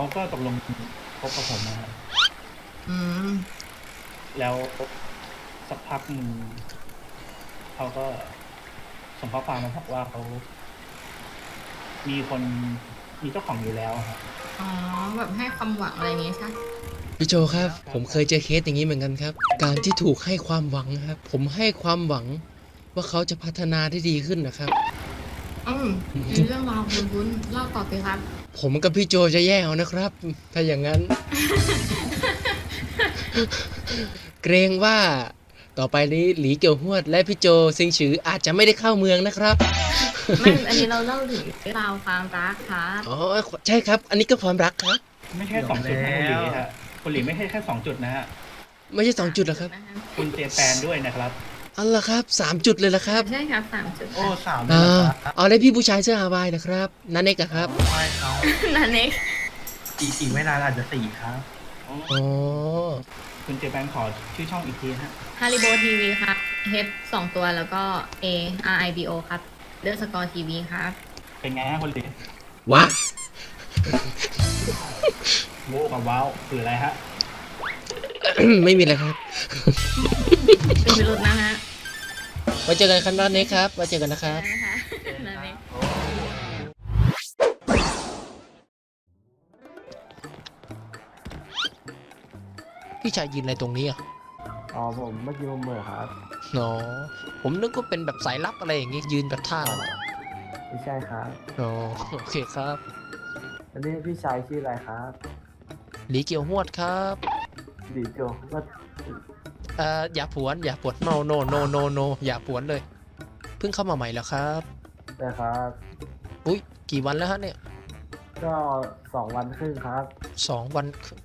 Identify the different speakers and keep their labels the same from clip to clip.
Speaker 1: ก็ตกลงคบกับผมนะครับ
Speaker 2: อืม
Speaker 1: แล้วสักพักหนึ่งเขาก็ส่งข้อความมาบอกว่าเขามีคนมีเจ้าของอยู่แล้วครับ
Speaker 2: อ๋อแบบให้ความหวังอะไรอย่างงี้ใช่
Speaker 3: พี่โจครับ ผมเคยเจอเคสอย่างนี้เหมือนกันครับ การที่ถูกให้ความหวังครับ ผมให้ความหวังว่าเขาจะพัฒนาได้ดีขึ้นนะครับ
Speaker 2: มีเรื่องราวคุ้นๆเล่าต่อสิครับ
Speaker 3: ผมกับพี่โจจะแย่เอานะครับ ถ้าอย่างนั้น เกรงว่าต่อไปนี้หลีเกี่ยวหวดและพี่โจซิงฉืออาจจะไม่ได้เข้าเมืองนะครับ
Speaker 2: ไม่อันนี้เราเล่าถึงเรื่องราวความรักครับ
Speaker 3: อ๋อใช่ครับ อันนี้ก็ความรักครับ
Speaker 1: ไม่ใช่สองจุดนะคุณหลีฮะคุณหลีไม่ใช่แค่2 จุดนะฮะ
Speaker 3: ไม่ใช่2 จุดหรอครับ
Speaker 1: คุณเจแปนด้วยนะครับ
Speaker 3: อันละครับ3 จุดเลยละครับ
Speaker 2: ใช่ครับ3 จุด
Speaker 4: โอ้สามเล
Speaker 3: อ่
Speaker 4: ยเหรอา ครับ
Speaker 3: เอาเลยพี่ผู้ชายเสื้อฮาวายนะครับนันเอกอะครับ
Speaker 4: ไม่เขา
Speaker 2: นันเน็ก
Speaker 4: อีกไม่นานอาจจะสี่ครับ
Speaker 3: อ๋อ
Speaker 1: คุณเจแปนขอชื่อช่องอีกทีฮะ
Speaker 2: ฮาริโบทีวีครับ H 2 ตัวแล้วก็ A R I B O ครับเลือกสกอร์ทีวีครับ
Speaker 1: เป็นไงฮะคุณหลี
Speaker 3: วะ
Speaker 1: โว้กับว้าวคืออะไรฮะ
Speaker 3: ไม่มีเลยครับ
Speaker 2: เป็นพิรุธนะฮะ
Speaker 3: ไว้เจอกันครับนันเอกครับไว้เจอกันนะครับ
Speaker 2: นะคะนันเน็ก
Speaker 3: พี่ชายยืนอะไรตรงนี้อ่ะ
Speaker 5: อ๋อผมเมื่อกี้ผมเหม่อครับ
Speaker 3: อ๋อผมนึกว่าเป็นแบบสายลับอะไรอย่างงี้ยืนแบบท่าอะไร
Speaker 5: ไม่ใช่ครับ
Speaker 3: อ๋อโอเคครับ
Speaker 5: อันนี้พี่ชายชื่ออะไรครับ
Speaker 3: หลีเกี่ยวหวดครับ
Speaker 5: ดีโจว่า
Speaker 3: อย่าผวนอย่าปวด no no no no no อย่าผวนเลย เพิ่งเข้ามาใหม่แล้วครับ
Speaker 5: นะครับ
Speaker 3: อุ้ยกี่วันแล้วฮะเนี่ย
Speaker 5: ก็2 วันครึ่งครับ
Speaker 3: 2 วันครึ่ง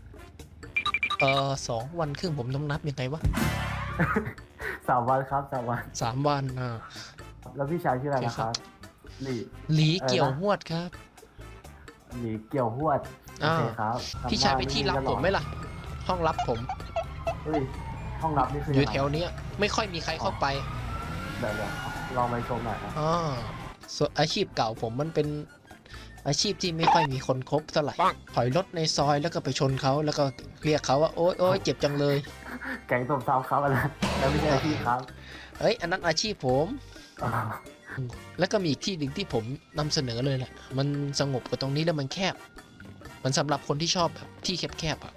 Speaker 3: 2 วันครึ่งผมต้องนับยังไงวะ
Speaker 5: 3 วันครับ3 วัน
Speaker 3: 3 วัน
Speaker 5: แล้วพี่ชายชื่ออะไรนะครับหลี
Speaker 3: หลีเกี่ยว
Speaker 5: อะไรนะ
Speaker 3: หวดครับ
Speaker 5: หลีเกี่ยวหวดโอ
Speaker 3: อ่า
Speaker 5: เคครับ
Speaker 3: พี่ชายไปที่รับผมไหมล่ะ ห้องรับผม
Speaker 5: เฮ้ยห้องรับนี่คือ
Speaker 3: อยู่
Speaker 5: งไง
Speaker 3: แถวเนี้ยไม่ค่อยมีใครเข้าไป
Speaker 5: เดี๋ยวลองไปชมหน่อยครับ
Speaker 3: อ๋อส่วนอาชีพเก่าผมมันเป็นอาชีพที่ไม่ค่อยมีคนคบเท่าไหร่ถอยรถในซอยแล้วก็ไปชนเขาแล้วก็เรียกเขาว่าโอ๊ยโอ๊ยเจ็บจังเลย
Speaker 5: แก๊งตบเท้าครับอะไรแล้วไม่ใช่อาชีพครับ
Speaker 3: เอ้ยอันนั้นอาชีพผม
Speaker 5: อ๋อ
Speaker 3: แล้วก็มีอีกที่หนึ่งที่ผมนำเสนอเลยแหละมันสงบกว่าตรงนี้แล้วมันแคบ มันสำหรับคนที่ชอบแบบที่แคบๆอ่ะ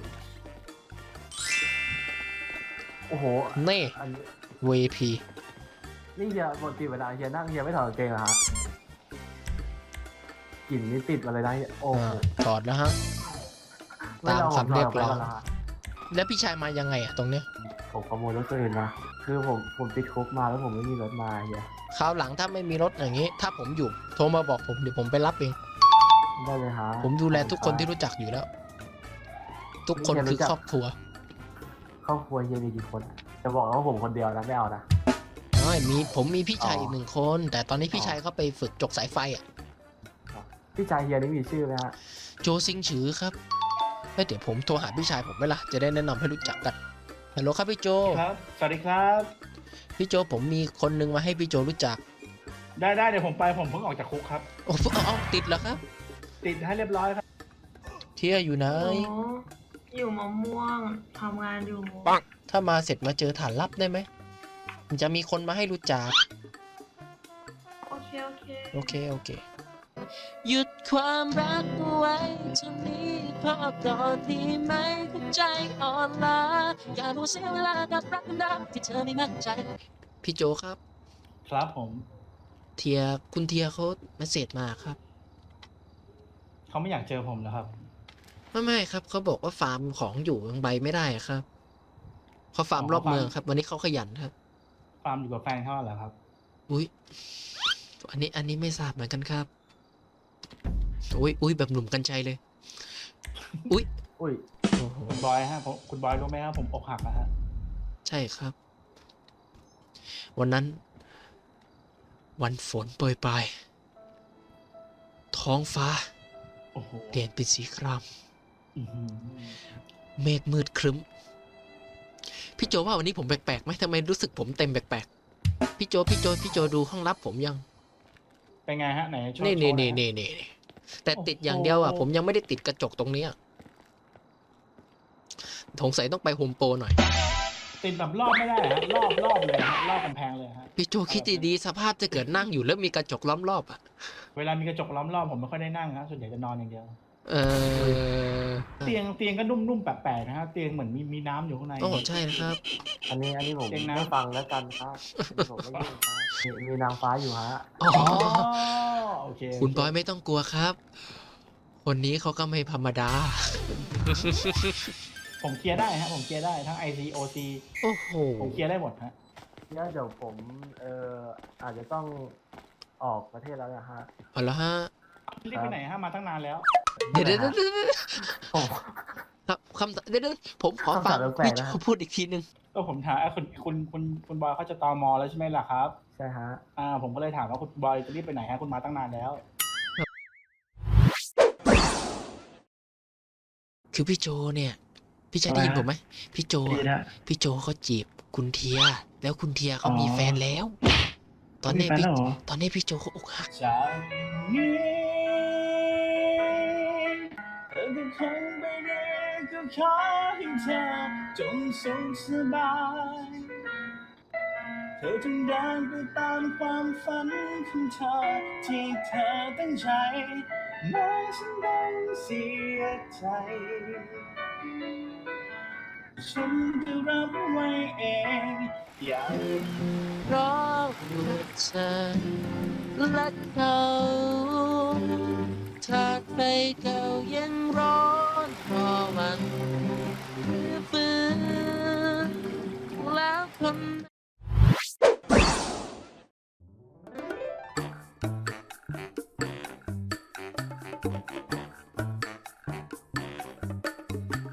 Speaker 5: โอ้โห
Speaker 3: เน่
Speaker 5: อันนี้
Speaker 3: VP
Speaker 5: นี่เฮียปกติเวลาเฮียนั่งเฮียไม่ถอดกางเกงเหรอฮะกลิ่นนี่ติดมาเลยนะเฮียโอ้โห
Speaker 3: ถอดแล้วฮะ
Speaker 5: ไม่ลอง
Speaker 3: ตามคำเรียกร้อง
Speaker 5: ผมถดกไปก่นเหฮะ
Speaker 3: แล้วพี่ชายมายังไงอ่ะตรงเนี้ย
Speaker 5: ผมขโมยรถตัวอื่นมา คือผมติดคุกมาแล้วผมไม่มีรถมาเฮีย
Speaker 3: คราวหลังถ้าไม่มีรถอย่างงี้ ถ้าผมอยู่โทรมาบอกผมเดี๋ยวผมไปรับเอง
Speaker 5: ได้เลยฮะ
Speaker 3: ผมดูแลทุกคนที่รู้จักอยู่แล้ว ทุกคนคือครอบครัว
Speaker 5: ครอบครัวเฮียมีกี่คนอะจะบอกว่าผมคนเดียวนะไม่เอานะ
Speaker 3: ผมมีพี่ชาย
Speaker 5: อ๋ออี
Speaker 3: อีก1 คน แต่ตอนนี้พี่ชายเขาไปฝึกจกสายไฟอ่ะ
Speaker 5: พี่ชายเฮียนี่มีชื่อไหมฮะ
Speaker 3: โจซิงฉือครับแล้วเดี๋ยวผมโทรหาพี่ชายผมไหมล่ะจะได้แนะนำให้รู้จักกันฮัลโหลครับพี่โจ
Speaker 1: ครับ สวัสดีครับ
Speaker 3: พี่โจผมมีคนนึงมาให้พี่โจรู้จัก
Speaker 1: ได้เดี๋ยวผมไปผมเพิ่งออกจากคุกครับ
Speaker 3: โอ้เอาติดแล้วครับ
Speaker 1: ติดให้เรียบร้อยครับ
Speaker 3: เที่ยอยู่ไหน
Speaker 6: โอ้อยู่มะม่วงทำงานอยู่
Speaker 3: ถ้ามาเสร็จมาเจอฐานลับได้ไหมมันจะมีคนมาให้รู้จัก
Speaker 6: โอเค โอเค
Speaker 3: โอเคโอเคหยุดความรักเอาไว้จะมีพอก่อนที่ไม่เข้าใจอ่อนล้าอย่ารู้เสียเวลากับรักนักที่เธอไม่มั่นใจพี่โจครับ
Speaker 1: ครับผม
Speaker 3: คุณเทียเขาเมสเสจมาครับ
Speaker 1: เขาไม่อยากเจอผมแล้วครับ
Speaker 3: ไม่ครับเขาบอกว่าฟาร์มของอยู่ยังใบไม่ได้อะครับเขาฟาร์มรอบเมืองครับ วันนี้เขาขยันครับ
Speaker 1: ฟาร์มอยู่กับแฟนเขาเหรอครับ
Speaker 3: อุ้ยอันนี้ไม่ทราบเหมือนกันครับอุ้ยแบบหนุ่มกัญชัยเลย อุ้ย
Speaker 5: อุ้ย
Speaker 3: โอ้โห
Speaker 1: คุณบอยฮะคุณบอยรู้ไหมครับผมอกหักนะฮะ
Speaker 3: ใช่ครับ วันนั้น วันฝนโปรยปลายท้องฟ้า
Speaker 1: โอ้โห
Speaker 3: เปลี่ยนเป็นสีคราม
Speaker 1: อื้อหือ
Speaker 3: เมฆมืดครึ้ม พี่โจว่าวันนี้ผมแปลกๆไหมทำไมรู้สึกผมเต็มแปลกๆพี่โจดูห้องลับผมยัง
Speaker 1: เป็นไงฮะไหนโชว์
Speaker 3: นี่
Speaker 1: โชว์หอยฮะ
Speaker 3: นี่แต่ติดอย่างเดียวอ่ะ ผมยังไม่ได้ติดกระจกตรงเนี้ยสงสัยต้องไปโฮมโปรหน่อย
Speaker 1: ติดแบบรอบไม่ได้ฮะรอบเลยฮะรอบกำแพงเลยฮะ
Speaker 3: พี่โจคิดดีๆสภาพจะเกิดนั่งอยู่แล้วมีกระจกล้อมรอบอ่ะ
Speaker 1: เวลามีกระจกล้อมรอบผมไม่ค่อยได้นั่งฮะส่วนใหญ่จะนอนอย่างเดียว
Speaker 3: เออ
Speaker 1: เตียงก็นุ่มๆแปลกๆนะฮะเตียงเหมือนมีน้ำอยู่ข้างใน
Speaker 3: โอ้ใช่นะครับ
Speaker 5: อันนี้ผม
Speaker 1: เก่งนะ
Speaker 5: ไม่ฟังแล้วกันครับผมไม่ยุ่งครับมีนางฟ้าอยู่ฮะ
Speaker 3: อ๋อ
Speaker 1: อ๋อโอเค
Speaker 3: คุณบอยไม่ต้องกลัวครับ คนนี้เขาก็ไม่ธรรมดา
Speaker 1: ผมเคลียร์ได้ฮะผมเคลียร์ได้ทั้ง IC OC
Speaker 3: โอ้โห
Speaker 1: ผมเคลียร์ได้หมดฮะ
Speaker 5: เนี่ยเดี๋ยวผมอาจจะต้องออกประเทศแล้วนะฮะ
Speaker 3: เอาละฮะ
Speaker 1: รีบไปไหนฮะมาตั้งนานแล้ว
Speaker 3: เดี๋ยว
Speaker 5: ผม
Speaker 3: ครับคำเดี๋ยวผมขอฟัง
Speaker 5: คำถามแปลกๆ
Speaker 3: พี่
Speaker 5: นะ
Speaker 3: โจพูดอีกทีนึง
Speaker 1: ก็ผมถามคุณบอยเขาจะตมแล้วใช่ไหมล่ะครับ
Speaker 5: ใช่ฮะ
Speaker 1: ผมก็เลยถามว่าคุณบอยจะรีบไปไหนฮะคุณมาตั้งนานแล้ว
Speaker 3: คือพี่โจเนี่ย พี่จะได้ยินผมไหมพี่โจ
Speaker 4: ดี
Speaker 3: อะ
Speaker 4: นะ
Speaker 3: พี่โจเขาจีบคุณเทีย แล้วคุณเทียเขามีแฟนแล้ว ตอนนี้
Speaker 4: มีแฟนแล้วเหรอ
Speaker 3: ตอนนี้พี่โจเขาอกหัก
Speaker 1: จากนี้เธอก็คงไปเรื่อยก็ขอให้เธอจงสุขสบายเธอจงเดินไปตามความฝันของเธอที่เธอตั้งใจแม้ฉันต้องเสียใจฉันจะรับไว้เองอย่า
Speaker 3: เพราะว่าเธอและเขาถ้าไฟเก่ายังร้อนเพราะมันฟื้นแล้วคน